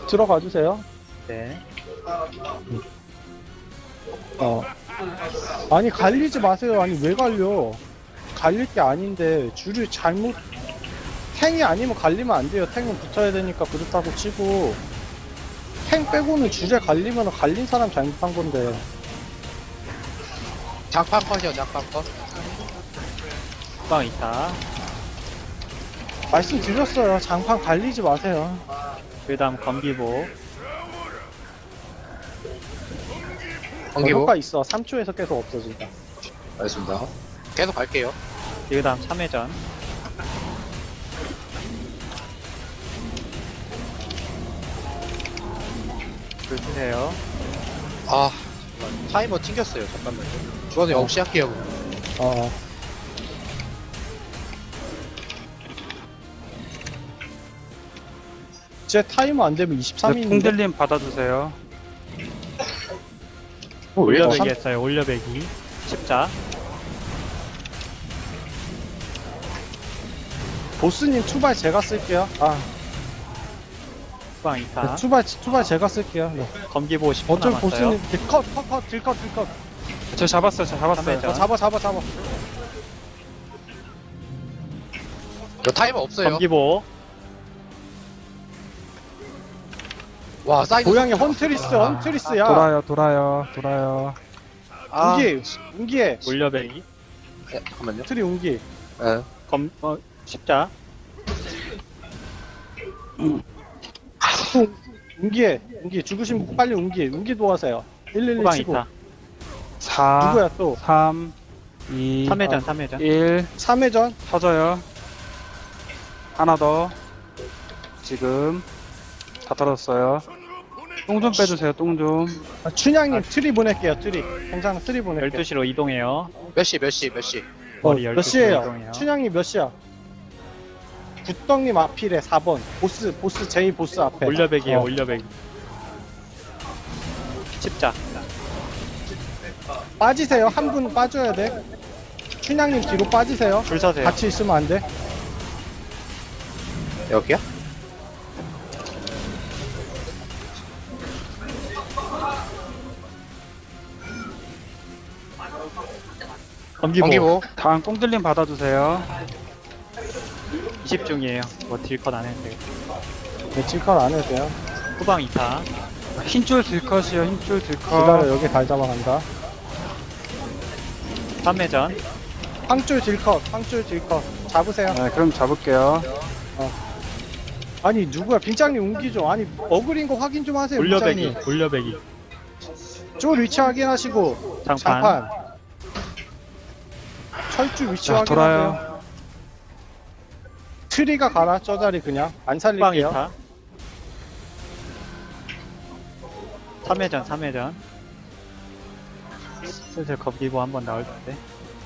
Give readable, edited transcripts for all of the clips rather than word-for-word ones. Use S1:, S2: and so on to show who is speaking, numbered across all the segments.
S1: 들어가 주세요.
S2: 네.
S1: 아니 갈리지 마세요. 아니 왜 갈려? 갈릴 게 아닌데 줄을 잘못 탱이 아니면 갈리면 안 돼요. 탱은 붙어야 되니까 그렇다고 치고 탱 빼고는 줄에 갈리면 갈린 사람 잘못한 건데.
S3: 장판 컷이요, 장판 컷.
S2: 후방 있다.
S1: 말씀드렸어요. 장판 갈리지 마세요.
S2: 그 다음 검기보.
S3: 번기보.
S1: 효과 있어. 3초에서 계속 없어진다.
S3: 알겠습니다. 계속 갈게요.
S2: 그 다음 3회전. 줄 쓰세요.
S3: 아, 잠깐만. 타이머 튕겼어요. 잠깐만요. 주원이 없이 할게요.
S1: 어. 제 타이머 안 되면 23인데.
S4: 통들림 받아주세요.
S2: 올려배기 했어요. 올려배기. 십자.
S1: 보스님 투발 제가 쓸게요. 아,
S2: 후방 있다.
S1: 투발 제가 쓸게요. 네.
S2: 검기보 10분
S1: 어쩔
S2: 남았어요.
S1: 보스님 컷, 딜컷.
S4: 저 잡았어요.
S2: 삼회전.
S1: 잡아.
S3: 저 타이머 없어요.
S2: 검기보.
S3: 와, 사이드.
S1: 고양이 헌트리스야.
S4: 돌아요.
S3: 아,
S1: 웅기에
S2: 올려배기.
S3: 네, 잠깐만요.
S1: 트리 웅기.
S3: 네.
S2: 십자.
S1: 웅기 죽으신 분 빨리 웅기 도와세요. 111
S2: 후방
S1: 치고.
S2: 있다.
S4: 4,
S1: 누구야 또?
S4: 3, 2,
S2: 3회전.
S4: 1
S1: 3회전.
S4: 터져요. 하나 더. 지금 다 털었어요. 똥 좀 빼주세요. 똥 좀.
S1: 춘향님 트리 보낼게요. 트리. 괜찮아 트리 보낼게요.
S2: 12시로 이동해요.
S3: 몇 시?
S2: 머리
S1: 몇
S2: 12시로
S1: 시에요?
S2: 이동해요.
S1: 춘향님 몇 시야? 굿덩님 앞이래 4번. 보스 제이 보스 앞에.
S2: 올려배기에요.
S1: 어.
S2: 올려배기. 십자.
S1: 빠지세요. 한 분 빠져야 돼. 춘향님 뒤로 빠지세요.
S2: 줄 서세요.
S1: 같이 있으면 안 돼.
S3: 여기야?
S2: 검기보.
S4: 다음 똥들림 받아주세요.
S2: 20중이에요. 뭐 딜컷 안 해도 돼요.
S1: 네, 찔컷 안 해도 돼요.
S2: 후방 2타.
S4: 흰줄 딜컷이요. 흰줄
S1: 기다려
S4: 딜컷.
S1: 여기 달 잡아간다.
S2: 3회전.
S1: 황줄 딜컷. 잡으세요.
S4: 네, 그럼 잡을게요.
S1: 아니 누구야? 빈장님 웅기죠. 아니 어그린 거 확인 좀 하세요.
S2: 올려배기.
S1: 빈장님.
S2: 올려배기.
S1: 쫄 위치 확인하시고.
S2: 장판.
S1: 철줄 위치
S4: 자,
S1: 확인하세요.
S4: 돌아요.
S1: 트리가 가라 저 자리 그냥 안
S2: 후방
S1: 살릴게요.
S2: 2타. 3회전. 슬슬 검기보 한번 나올 텐데.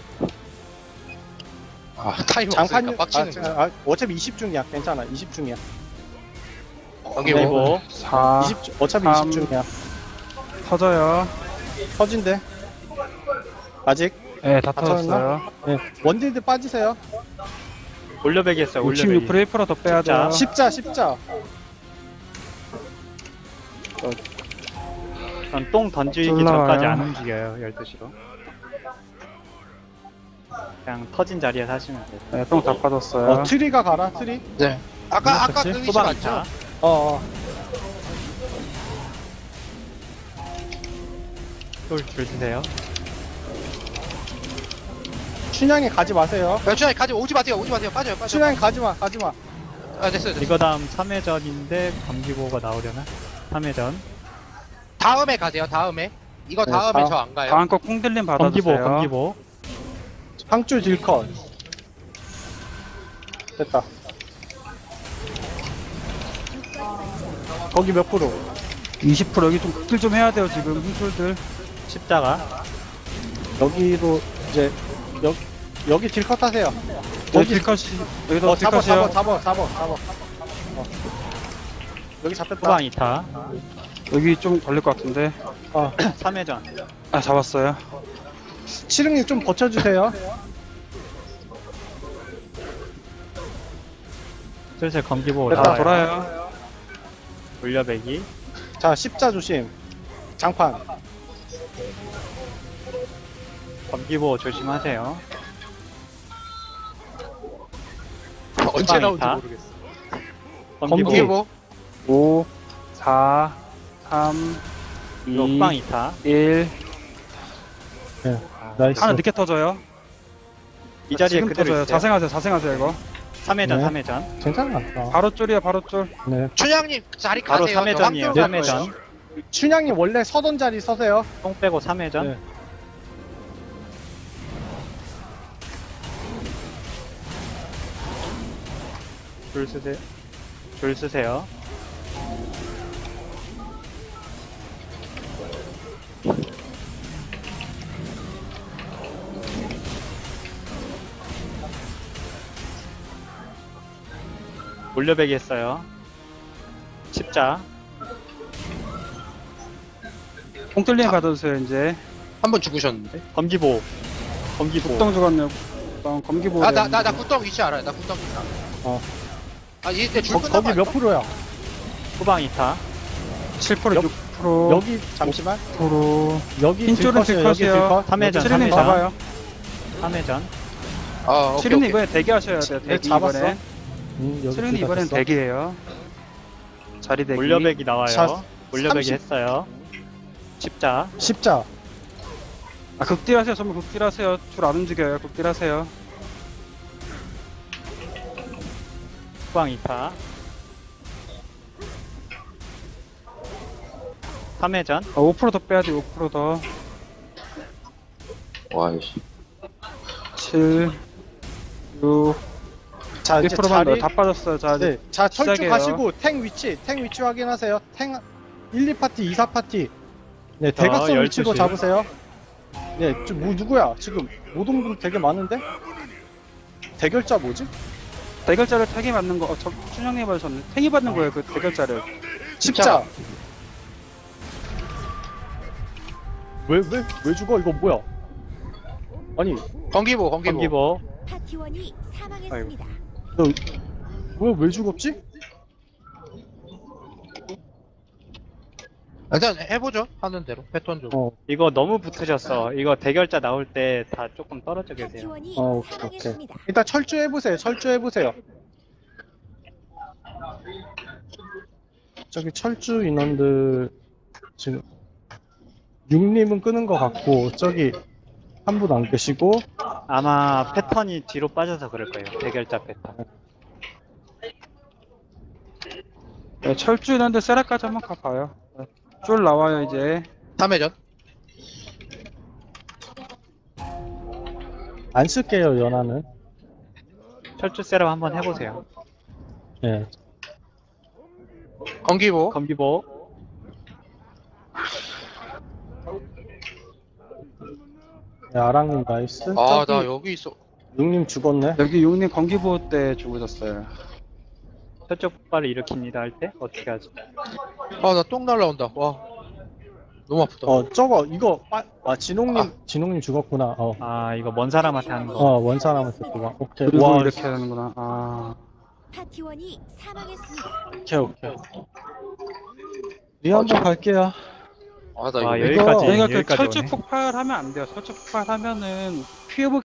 S3: 아, 타이머
S1: 장판
S3: 없으니까 빡치는 거.
S1: 어차피 20중이야. 괜찮아. 20중이야.
S3: 번기보.
S2: 검기보.
S4: 4,
S1: 20중 어차피
S4: 3.
S1: 20중이야.
S4: 터져요.
S1: 터진대. 아직.
S4: 네, 다
S1: 다 터졌나?
S4: 터졌어요.
S1: 네. 원딜드 빠지세요.
S2: 올려배기 했어요. 올려배기.
S4: 66% 1%더 빼야 돼요.
S1: 십자.
S2: 전 똥 던지기
S4: 올라와요.
S2: 전까지 안 움직여요. 12시로. 그냥 터진 자리에서 하시면 돼요.
S4: 네, 똥 다 빠졌어요.
S1: 트리가 가라. 트리.
S3: 네. 아까
S1: 그치?
S3: 그 위치
S2: 후방
S3: 맞죠?
S2: 2타.
S1: 어.
S2: 줄 드세요.
S1: 춘향이 가지 마세요.
S3: 춘향이 가지 오지 마세요. 빠져요.
S1: 춘향이 가지 마.
S3: 아, 됐어요.
S2: 이거 다음 3회전인데 검기보가 나오려나? 3회전.
S3: 다음에 가세요. 다음에. 이거
S1: 네,
S3: 다음에
S1: 다음.
S3: 저 안 가요.
S4: 다음 거 콩들림 받아주세요.
S2: 검기보.
S1: 황줄 딜컷. 됐다. 거기 몇 프로?
S4: 20% 여기 좀 극딜 좀 해야 돼요. 지금 흰줄들.
S2: 십자가.
S1: 여기로 이제 여기 딜컷 하세요.
S4: 여기 딜컷이 여기도 딜컷이요.
S1: 잡아. 여기 잡혔다.
S2: 후방 2타.
S4: 여기 좀 걸릴 것 같은데.
S2: 3회전.
S4: 아, 잡았어요.
S1: 치릉님 좀 버텨주세요.
S2: 슬슬 검기보
S1: 됐다,
S2: 나와요.
S4: 돌아요.
S2: 물려배기.
S1: 자, 십자 조심. 장판.
S2: 검기보 조심하세요.
S3: 언제 나올지
S2: 있다.
S3: 모르겠어.
S2: 검기보.
S1: 검기.
S3: 뭐?
S4: 5, 4, 3,
S2: 이거
S4: 2,
S2: 후방 2타.
S4: 1.
S1: 네, 나이스.
S4: 하나 늦게 터져요.
S2: 이 자리에
S4: 지금
S2: 그대로
S4: 터져요.
S2: 있어요.
S4: 자생하세요 이거.
S2: 3회전,
S1: 네.
S2: 3회전.
S1: 괜찮아.
S4: 바로 쫄이야, 바로 쫄.
S1: 네.
S3: 춘향님 자리
S2: 바로
S3: 가세요.
S2: 3회전이에요.
S3: 저
S2: 3회전.
S1: 춘향이 원래 서던 자리 서세요.
S2: 똥 빼고 3회전.
S1: 네.
S2: 줄 쓰세요. 줄 쓰세요. 물려배기 했어요. 십자.
S4: 뽕뚫리에 받아주세요 이제.
S3: 한 번 죽으셨는데.
S2: 검기보. 검기보.
S4: 국동 죽었네요. 국동 검기보.
S3: 나 굿덩 위치 알아요. 나 굿덩 위치 알아.
S1: 어.
S3: 아 이때 줄 끝나고
S1: 거기 몇 프로야?
S2: 후방 2타.
S4: 7%,
S1: 여-
S4: 6%.
S1: 여기 잠시만.
S4: 6%.
S1: 여기
S4: 흰줄은
S1: 들컷이에요. 여기
S4: 들컷이요.
S1: 들컷.
S2: 3회전,
S4: 치르님
S2: 3회전.
S4: 잡아요.
S2: 3회전.
S3: 아 오케이
S4: 치르님
S3: 오케이.
S4: 이번에 대기하셔야 돼요.
S1: 네,
S4: 대기
S1: 잡았어.
S4: 이번에.
S1: 여기
S4: 치르님
S1: 둘다
S4: 이번엔
S1: 됐어.
S4: 대기예요. 자리 대기.
S2: 물려배기 나와요.
S1: 자,
S2: 물려배기
S1: 30.
S2: 했어요. 십자.
S1: 십자.
S4: 아 극딜하세요. 전부 극딜하세요. 줄 안 움직여요. 극딜하세요.
S2: 후방 2타. 3회전.
S4: 5%더 빼야 돼. 5% 더.
S3: 와이씨.
S4: 7, 6,
S1: 자, 이제
S4: 1%만 더.
S1: 자리.
S4: 다 빠졌어요. 자, 이제
S1: 네. 자, 철쭉
S4: 시작이에요.
S1: 가시고 탱 위치 확인하세요. 탱 1, 2파티, 2, 4파티. 네, 대각선
S2: 12시.
S1: 위치로 잡으세요. 네, 뭐 누구야? 지금 모동분 되게 많은데? 대결자 뭐지?
S4: 대결자를 탱이 받는 거. 춘향님 받으셨네. 탱이 받는 거예요. 그 대결자를.
S1: 십자. 왜 죽어? 이거 뭐야? 아니,
S3: 검기보.
S2: 검기보.
S5: 파티원이 사망했습니다.
S1: 왜 죽었지?
S3: 일단 해보죠. 하는 대로 패턴적으로.
S2: 이거 너무 붙으셨어. 이거 대결자 나올 때 다 조금 떨어져 계세요.
S5: 파티원이
S1: 오케이.
S5: 사망했습니다.
S1: 일단 철주해보세요. 저기 철주 인원들 지금 6님은 끄는 것 같고 저기 한 분 안 계시고
S2: 아마 패턴이 뒤로 빠져서 그럴 거예요. 대결자 패턴.
S4: 네, 철주 있는데 세라까지 한번 가봐요. 네. 쫄 나와요 이제.
S3: 3회전.
S1: 안 쓸게요 연하는.
S2: 철주 세럼 한번 해보세요.
S1: 예.
S3: 검기보.
S2: 검기보.
S1: 네, 아랑님 나이스.
S3: 아 나
S1: 저기
S3: 여기 있어.
S1: 6님 죽었네.
S4: 여기 용님 건기보 때 죽으셨어요.
S2: 저쪽 폭발을 일으킵니다 할 때 어떻게 하지?
S3: 아 나 똥 날라온다. 와. 너무 아프다.
S1: 저거 이거 진홍님 죽었구나.
S2: 아 이거 먼 사람한테 하는 거.
S1: 원 사람한테 그거. 오케이.
S4: 그리고
S1: 와,
S4: 이렇게 하는구나. 아.
S5: 파티원이 사망했습니다.
S1: 오케이. 리 한번 갈게요.
S3: 아 나 이거
S2: 와,
S3: 왜
S2: 여기까지
S4: 그러니까 그
S2: 여기까지
S4: 철쭉
S2: 오네.
S4: 폭발하면 안 돼요. 철쭉 폭발하면은 피해보